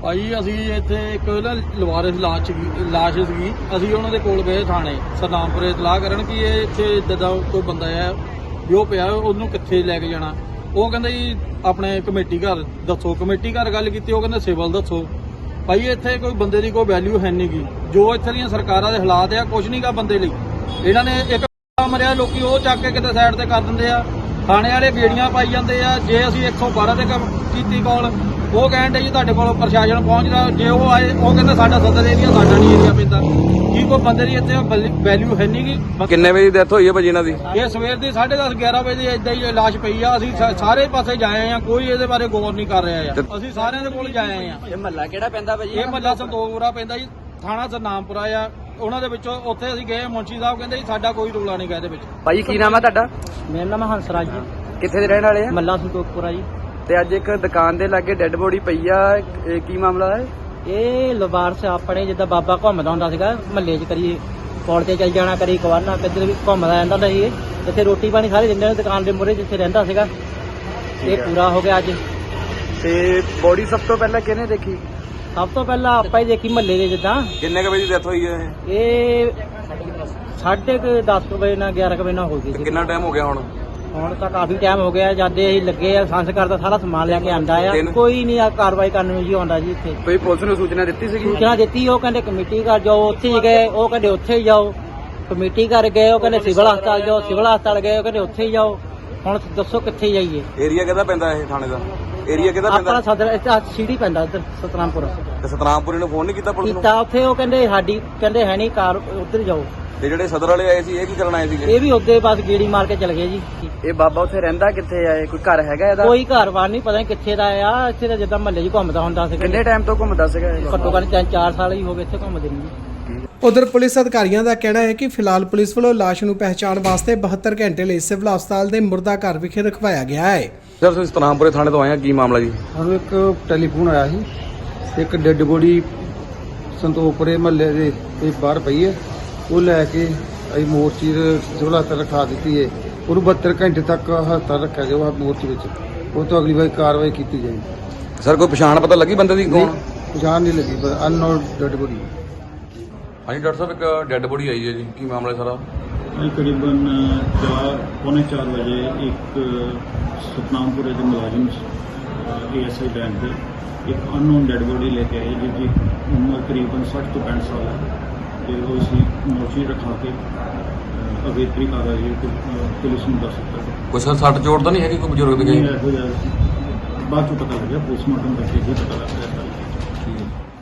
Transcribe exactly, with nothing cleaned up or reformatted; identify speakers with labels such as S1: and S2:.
S1: ਭਾਈ ਅਸੀਂ ਇੱਥੇ ਇੱਕ ਨਾ ਲਵਾਰਿਸ ਲਾਸ਼ ਲਾਸ਼ ਸੀਗੀ। ਅਸੀਂ ਉਹਨਾਂ ਦੇ ਕੋਲ ਗਏ ਥਾਣੇ ਸਰਨਾਮਪੁਰੇ ਇਤਲਾਹ ਕਰਨ ਕਿ ਇਹ ਇੱਥੇ ਇੱਦਾਂ ਦਾ ਕੋਈ ਬੰਦਾ ਹੈ ਵੀ ਉਹ ਪਿਆ, ਉਹਨੂੰ ਕਿੱਥੇ ਲੈ ਕੇ ਜਾਣਾ। ਉਹ ਕਹਿੰਦਾ ਜੀ ਆਪਣੇ ਕਮੇਟੀ ਘਰ ਦੱਸੋ। ਕਮੇਟੀ ਘਰ ਗੱਲ ਕੀਤੀ, ਉਹ ਕਹਿੰਦੇ ਸਿਵਲ ਦੱਸੋ। ਭਾਈ ਇੱਥੇ ਕੋਈ ਬੰਦੇ ਦੀ ਕੋਈ ਵੈਲਿਊ ਹੈ ਨਹੀਂ ਗੀ। ਜੋ ਇੱਥੇ ਦੀਆਂ ਸਰਕਾਰਾਂ ਦੇ ਹਾਲਾਤ ਆ, ਕੁਝ ਨਹੀਂ ਗਾ ਬੰਦੇ ਲਈ। ਇਹਨਾਂ ਨੇ ਇੱਕ ਮਰਿਆ, ਲੋਕੀ ਉਹ ਚੱਕ ਕੇ ਕਿਤੇ ਸਾਈਡ ਤੇ ਕਰ ਦਿੰਦੇ ਆ। ਥਾਣੇ ਵਾਲੇ ਬੇੜੀਆਂ ਪਾਈ ਜਾਂਦੇ ਆ। ਜੇ ਅਸੀਂ ਇੱਕ ਸੌ ਬਾਰਾਂ ਤੇ ਕੀਤੀ ਕਾਲ, ਉਹ ਕਹਿਣ ਦੇ ਜੀ ਤੁਹਾਡੇ ਕੋਲ ਪ੍ਰਸ਼ਾਸਨ ਪਹੁੰਚਦਾ। ਜੇ ਉਹ ਆਏ, ਉਹ ਕਹਿੰਦਾ ਸਾਡਾ ਸਦਰ ਏਰੀਆ, ਸਾਡਾ ਨਹੀਂ ਏਰੀਆ ਪੈਂਦਾ। ਕੀ ਕੋਈ ਬੰਦੇ ਦੀ ਇੱਥੇ ਵੈਲਿਊ ਹੈ ਨਹੀਂ ਗੀ।
S2: ਕਿੰਨੇ ਵਜੇ ਦੀ ਡੈਥ ਹੋਈ ਹੈ ਭਾਜੀ ਇਹਨਾਂ ਦੀ?
S1: ਇਹ ਸਵੇਰ ਦੀ ਸਾਢੇ ਦਸ ਗਿਆਰਾਂ ਵਜੇ ਏਦਾਂ ਹੀ ਲਾਸ਼ ਪਈ ਆ। ਅਸੀਂ ਸਾਰੇ ਪਾਸੇ ਜਾਏ ਆ, ਕੋਈ ਇਹਦੇ ਬਾਰੇ ਗੌਰ ਨਹੀਂ ਕਰ ਰਿਹਾ ਆ। ਅਸੀਂ ਸਾਰਿਆਂ ਦੇ ਕੋਲ ਜਾਏ ਆ।
S3: ਇਹ ਮਹੱਲਾ ਕਿਹੜਾ ਪੈਂਦਾ ਭਾਜੀ?
S1: ਇਹ ਮਹੱਲਾ ਸੰਤੋਖਪੁਰਾ ਪੈਂਦਾ ਜੀ, ਥਾਣਾ ਸਰਨਾਮਪੁਰਾ ਆ। ਉਹਨਾਂ ਦੇ ਵਿੱਚੋਂ ਉੱਥੇ ਅਸੀਂ ਗਏ, ਮੁੰਸ਼ੀ ਸਾਹਿਬ ਕਹਿੰਦੇ ਜੀ ਸਾਡਾ ਕੋਈ ਰੌਲਾ ਨਹੀਂ ਗਾ ਇਹਦੇ ਵਿੱਚ।
S3: ਭਾਜੀ ਕੀ ਨਾਮ ਹੈ ਤੁਹਾਡਾ?
S4: ਮੇਰਾ ਨਾਮ ਹੰਸਰਾਜ ਜੀ,
S3: ਕਿੱਥੇ ਦੇ ਰਹਿਣ ਵਾਲੇ ਆ?
S4: ਮੱਲਾ ਸੰਤੋਖਪੁਰਾ ਜੀ।
S3: ਤੇ ਅੱਜ ਇੱਕ ਦੁਕਾਨ ਦੇ ਲਾਗੇ ਡੈੱਡ ਬੋਡੀ ਪਈ ਆ, ਇਹ ਕੀ ਮਾਮਲਾ ਹੈ?
S4: ਇਹ ਲਵਾਰਸ ਆਪਣੇ ਜਿੱਦਾਂ ਬਾਬਾ ਘੁੰਮਦਾ ਹੁੰਦਾ ਸੀਗਾ ਮਹੱਲੇ 'ਚ, ਕਰੀ ਪੌੜ ਤੇ ਚੱਲ ਜਾਣਾ, ਕਰੀ ਕਵਾਨਾ, ਕਿੱਧਰ ਵੀ ਘੁੰਮਦਾ ਰਹਿੰਦਾ ਹੁੰਦਾ ਸੀ। ਇਹ ਇੱਥੇ ਰੋਟੀ ਪਾਣੀ ਸਾਰੇ ਦਿੰਦੇ ਨੇ ਦੁਕਾਨ ਦੇ ਮੂਹਰੇ ਜਿੱਥੇ ਰਹਿੰਦਾ ਸੀਗਾ। ਇਹ ਪੂਰਾ ਹੋ ਗਿਆ ਅੱਜ।
S3: ਤੇ ਬੋਡੀ ਸਭ ਤੋਂ ਪਹਿਲਾਂ ਕਿਹਨੇ ਦੇਖੀ?
S4: ਸਭ ਤੋਂ ਪਹਿਲਾਂ ਆਪਾਂ ਹੀ ਦੇਖੀ ਮਹੱਲੇ ਦੇ। ਜਿੱਦਾਂ
S2: ਕਿੰਨੇ ਕ ਵਜੇ ਦੀ ਡੈਥ ਹੋਈ ਹੈ ਇਹ?
S4: ਇਹ ਸਾਢੇ ਕੁ ਦਸ ਕੁ ਵਜੇ ਨਾਲ ਗਿਆਰਾਂ ਕੁ ਵਜੇ ਨਾਲ ਹੋ ਗਈ ਸੀ।
S2: ਕਿੰਨਾ ਟਾਈਮ ਹੋ ਗਿਆ ਹੁਣ?
S4: ਹੁਣ ਤਾਂ ਕਾਫੀ ਟਾਈਮ ਹੋ ਗਿਆ। ਜਾਂਦੇ ਅਸੀਂ ਲੱਗੇ ਆ, ਸੰਸਕਾਰ ਦਾ ਸਾਰਾ ਸਮਾਨ ਲੈ ਕੇ ਆਂਦਾ ਆ।
S2: ਦਿਨ-
S4: ਕੋਈ ਨਹੀਂ ਆ ਕਾਰਵਾਈ ਕਰਨ ਨੂੰ ਜੀ ਆਉਂਦਾ ਜੀ ਇੱਥੇ।
S3: ਕੋਈ ਪੁਲਿਸ ਨੂੰ ਸੂਚਨਾ ਦਿੱਤੀ ਸੀਗੀ?
S4: ਸੂਚਨਾ ਦਿੱਤੀ, ਉਹ ਕਹਿੰਦੇ ਕਮੇਟੀ ਘਰ ਜਾਓ, ਉੱਥੇ ਹੀ ਗਏ। ਉਹ ਕਹਿੰਦੇ ਉੱਥੇ ਹੀ ਜਾਓ। ਕਮੇਟੀ ਘਰ ਗਏ, ਉਹ ਕਹਿੰਦੇ ਸਿਵਲ ਹਸਪਤਾਲ ਜਾਓ। ਸਿਵਲ ਹਸਪਤਾਲ ਗਏ, ਉਹ ਕਹਿੰਦੇ ਉੱਥੇ ਹੀ ਜਾਓ। ਹੁਣ ਦੱਸੋ ਕਿੱਥੇ ਜਾਈਏ?
S2: ਏਰੀਆ ਕਿਹਦਾ ਪੈਂਦਾ ਇਹ ਥਾਣੇ ਦਾ? ਏਰੀਆ ਕਿਹਦਾ
S4: ਆਪਣਾ
S2: ਪੈਂਦਾ?
S4: ਸਦਰ ਇੱਥੇ ਸੀੜੀ ਪੈਂਦਾ ਇੱਧਰ ਸਤਨਾਮਪੁਰ।
S2: ਤੇ ਸਤਨਾਮਪੁਰੀ ਨੂੰ ਫੋਨ ਨਹੀਂ ਕੀਤਾ ਪੁਲਿਸ ਨੂੰ?
S4: ਕੀਤਾ ਉੱਥੇ, ਉਹ ਕਹਿੰਦੇ ਸਾਡੀ ਕਹਿੰਦੇ ਹੈ ਨਹੀਂ ਕਾਰ, ਉੱਧਰ ਜਾਓ।
S2: ਤੇ ਜਿਹੜੇ ਸਦਰ ਵਾਲੇ ਆਏ ਸੀ ਇਹ ਕੀ ਕਰਨ ਆਏ ਸੀਗੇ?
S4: ਇਹ ਵੀ ਉੱਦੇ ਬਸ ਗੇੜੀ ਮਾਰ ਕੇ ਚਲੇ ਗਏ ਜੀ।
S3: ਇਹ ਬਾਬਾ ਉੱਥੇ ਰਹਿੰਦਾ ਕਿੱਥੇ ਆ? ਇਹ ਕੋਈ ਘਰ ਹੈਗਾ ਇਹਦਾ?
S4: ਕੋਈ ਘਰ-ਬਾਰ ਨਹੀਂ, ਪਤਾ ਨਹੀਂ ਕਿੱਥੇ ਦਾ ਆ। ਇੱਥੇ ਤਾਂ ਜਿੱਦਾਂ ਮਹੱਲੇ 'ਚ ਘੁੰਮਦਾ ਹੁੰਦਾ ਸੀ।
S3: ਕਿੰਨੇ ਟਾਈਮ ਤੋਂ ਘੁੰਮਦਾ ਸੀਗਾ ਇਹ?
S4: ਘੱਟੋ ਘੱਟ ਤਿੰਨ ਚਾਰ ਸਾਲ ਹੀ ਹੋ ਗਏ ਇੱਥੇ ਘੁੰਮਦੇ ਨੂੰ।
S5: ਉਧਰ ਪੁਲਿਸ ਅਧਿਕਾਰੀਆਂ ਦਾ ਕਹਿਣਾ ਹੈ ਕਿ ਫਿਲਹਾਲ ਪੁਲਿਸ ਵੱਲੋਂ ਲਾਸ਼ ਨੂੰ ਪਹਿਚਾਣ ਵਾਸਤੇ ਬਹੱਤਰ ਘੰਟੇ ਲਈ ਸਿਵਲ ਹਸਪਤਾਲ ਦੇ ਮੁਰਦਾ ਘਰ ਵਿਖੇ ਰਖਵਾਇਆ ਗਿਆ ਹੈ।
S2: ਸਰ ਤੁਸੀਂ ਸਤਨਾਮਪੁਰੇ ਥਾਣੇ ਤੋਂ ਆਏ ਆ, ਕੀ ਮਾਮਲਾ ਜੀ?
S6: ਸਾਨੂੰ ਇੱਕ ਟੈਲੀਫੋਨ ਆਇਆ ਸੀ, ਇੱਕ ਡੈੱਡ ਬੋਡੀ ਸੰਤੋਖਪੁਰੇ ਮਹੱਲੇ ਦੇ ਕੋਈ ਬਾਹਰ ਪਈ ਹੈ। ਉਹ ਲੈ ਕੇ ਅਸੀਂ ਮੋਰਚੀ ਦੇ ਸਿਵਲ ਹਸਪਤਾਲ ਰਖਾ ਦਿੱਤੀ ਹੈ। ਉਹਨੂੰ ਬਹੱਤਰ ਘੰਟੇ ਤੱਕ ਹਸਪਤਾਲ ਰੱਖਿਆ ਜਾਊਗਾ ਮੋਰਚੀ ਵਿੱਚ। ਉਹ ਤੋਂ ਅਗਲੀ ਵਾਰ ਕਾਰਵਾਈ ਕੀਤੀ ਜਾਏਗੀ।
S2: ਸਰ ਕੋਈ ਪਛਾਣ ਪਤਾ ਲੱਗੀ ਬੰਦੇ ਦੀ ਕੌਣ?
S6: ਪਛਾਣ ਨਹੀਂ ਲੱਗੀ, ਪਰ ਅਨਨੋਨ ਡੈੱਡ ਬੋਡੀ।
S2: ਹਾਂਜੀ ਡਾਕਟਰ ਸਾਹਿਬ, ਇੱਕ ਡੈੱਡ ਬੋਡੀ ਆਈ ਹੈ ਜੀ, ਕੀ ਮਾਮਲਾ ਹੈ ਸਾਰਾ?
S7: ਅੱਜ ਕਰੀਬਨ ਚਾਰ ਪੌਣੇ ਚਾਰ ਵਜੇ ਇੱਕ ਸਤਨਾਮਪੁਰੇ ਦੇ ਮੁਲਾਜ਼ਮ ਏ ਐਸ ਆਈ ਬੈਂਕ ਦੇ ਇੱਕ ਅਨਨੋਨ ਡੈੱਡ ਬੋਡੀ ਲੈ ਕੇ ਆਏ, ਜਿਹਦੀ ਉਮਰ ਕਰੀਬਨ ਸੱਠ ਤੋਂ ਪੈਂਹਠ ਸਾਲ ਹੈ। ਤੇ ਉਹ ਅਸੀਂ ਮੋਰਚੀ ਰਖਾ ਕੇ ਅਗੇਤਰੀ ਕਾਰਵਾਈ ਪੁਲਿਸ ਨੂੰ ਦੱਸ ਦਿੱਤਾ।
S2: ਕੋਈ ਸਰ ਸੱਟ ਚੋਟ ਤਾਂ ਨਹੀਂ ਹੈਗੀ ਕੋਈ ਬਜ਼ੁਰਗ ਦੀ?
S7: ਇਹੋ ਜਿਹਾ ਬਾਅਦ ਚੋਂ ਪਤਾ ਲੱਗਿਆ, ਪੋਸਟਮਾਰਟਮ ਕਰਕੇ ਹੀ ਪਤਾ ਲੱਗਿਆ।